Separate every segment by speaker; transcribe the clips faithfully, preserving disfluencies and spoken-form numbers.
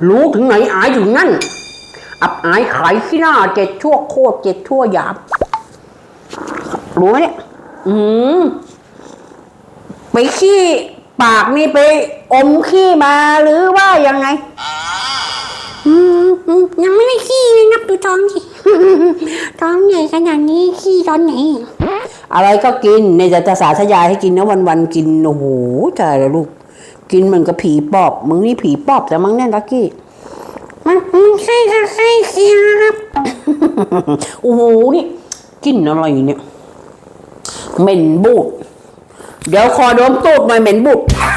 Speaker 1: รู้ถึงไหนอายถึงนั่นอับอายขายขี้หน้าเจ็ดชั่วโคตรเจ็ดชั่วหยาบรู้ไหมเนี่ยอืมไปขี้ปากนี่ไปอมขี้มาหรือว่ายังไง
Speaker 2: อืมยังไม่ได้ขี้เลยนับดูท้องสิ ท้องใหญ่ขนาดนี้ขี้ตอนไหน
Speaker 1: อะไรก็กินในจะสาธยายให้กินนะวันๆกินโอ้โหตายแล้วลูกกินเหมือนกับผีปอบมึงนี่ผีปอบแต่มั้งเนี่ยลักกี้
Speaker 2: มันมันใช่ค่ะใช่สิครับ
Speaker 1: โอ้โหนี่กินอะไรเนี่ยเหม็นบูดเดี๋ยวคอโดนตูดหน่อยเหม็นบูด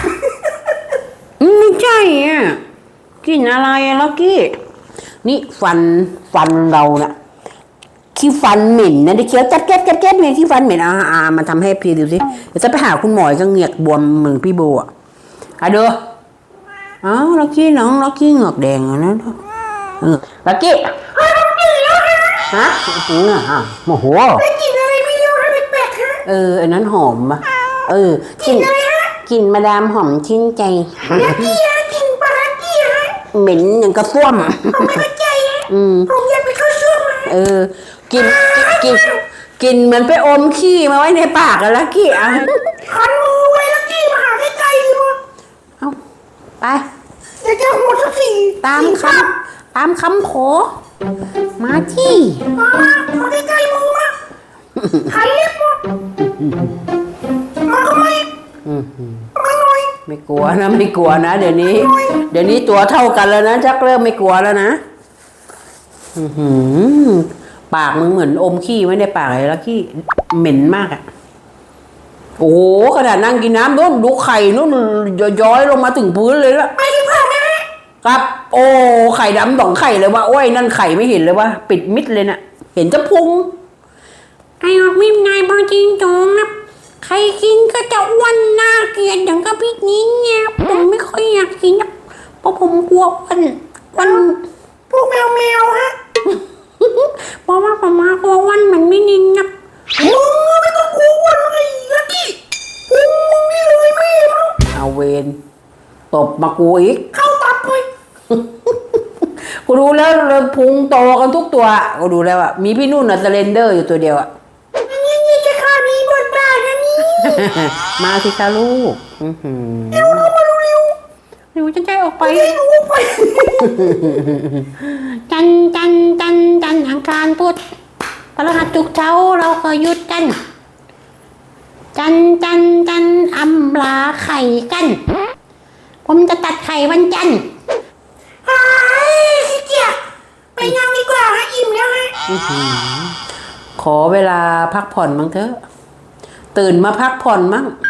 Speaker 1: ไม่ใช่อ่ะกินอะไรอะลักกี้นี่ฟันฟันเราน่ะขี้ฟันเหม็นนะดิเคี้ยวแก๊ดแก๊ดแก๊ดแก๊ดเนี่ยขี้ฟันเหม็นอ่าอ่ามาทำให้พี่ดูสิเดี๋ยวจะไปหาคุณหมอก็เหงือกบวมเหมือนพี่โบอ่ะอ่ะเด้ออ้าวลักกี้น้องลักกี้เหงือกแดงอ่ะนะเออลักกี้ฮะโอ้โหอ่ะโอ้โห
Speaker 2: ได้กินอะไรไม่รู้ค่ะแปลกๆฮะ
Speaker 1: เอออันนั้นหอมป่ะเออกินกินมาดามหอมชื่นใจ
Speaker 2: ลักกี้ฮะกินปลาลักกี้ฮะ
Speaker 1: เหม็นอย่างกระส้วม
Speaker 2: ผมไม่เข้าใจฮะ
Speaker 1: อืม
Speaker 2: ผมอยากไปเข้าช่วงฮะ
Speaker 1: เออกินกินกินเหมือนไปอมขี้มาไว้ในปากอะลักกี้อ่ะ
Speaker 2: คันมือไว้ลักกี้มาหาใกล้ๆดีมั้ง
Speaker 1: เอาไป
Speaker 2: อยากจะหัวสักที
Speaker 1: ตามคำตามคำขอมาที่
Speaker 2: มามาใกล้ๆมือมาหันเล็บมามาทำไมมาหน่อย
Speaker 1: ไม่กลัวนะไม่กลัวนะเดี๋ยวนี้ เดี๋ยวนี้ตัวเท่ากันแล้วนะจักเริ่มไม่กลัวแล้วนะปากมึงเหมือนอมขี้ไว้ในปากเลยแล้วขี้เหม็นมากอ่ะโอ้โหขนาดนั่งกินน้ำนู่นดูไข่นู่นย้อยลงมาถึงพื้นเลยละ
Speaker 2: ไปดีกว่า
Speaker 1: ครับโอ้ไข่ดำสองไข่เลยว่าโอ้ยนั่นไข่ไม่เห็นเลยว่าปิดมิดเลยน่ะเห็นจะพุง
Speaker 2: ไอ้ออกมิมนายบางจริงจงนะใครกินก็จะอ้วนน่าเกลียดอย่างกับพี่นี้เนี่ยผมไม่ค่อยอยากกินนะเพราะผมกลัวอ้วนอ้วนพวกแมวแมวฮะเพราะว่าผมมากลัวอ้วนมันไม่นินนะมึงไม่ต้องกลัวอ้วนเลยลักกี้พุงมึงนี่เลยไม่รู้
Speaker 1: เอาเวนตบมากูอีก
Speaker 2: เข้าตับเลย
Speaker 1: กูดูแล้วเลยพุงโตกันทุกตัวกูดูแล้วอ่ะมีพี่นุ่นอะสเลนเดอร์อยู่ตัวเดียวอ่ะ
Speaker 2: นี่นี่จะข้ามีบทบาทนะนี่
Speaker 1: มาสิคะลูก
Speaker 2: เร็วเข้ามาเร็ว
Speaker 1: เร็วจะใจออกไป
Speaker 2: ไปจันจันจันจันอังคารพุธพฤหัสศุกร์เช้าเราก็หยุดกันจันจันจันอำลาไข่กันผมจะตัดไข่วันจันทร์ไอ้สิเกียไปนั่งดีกว่าฮะอิ่มแล้วฮะ
Speaker 1: ขอเวลาพักผ่อนมั้งเถอะตื่นมาพักผ่อนมั้ง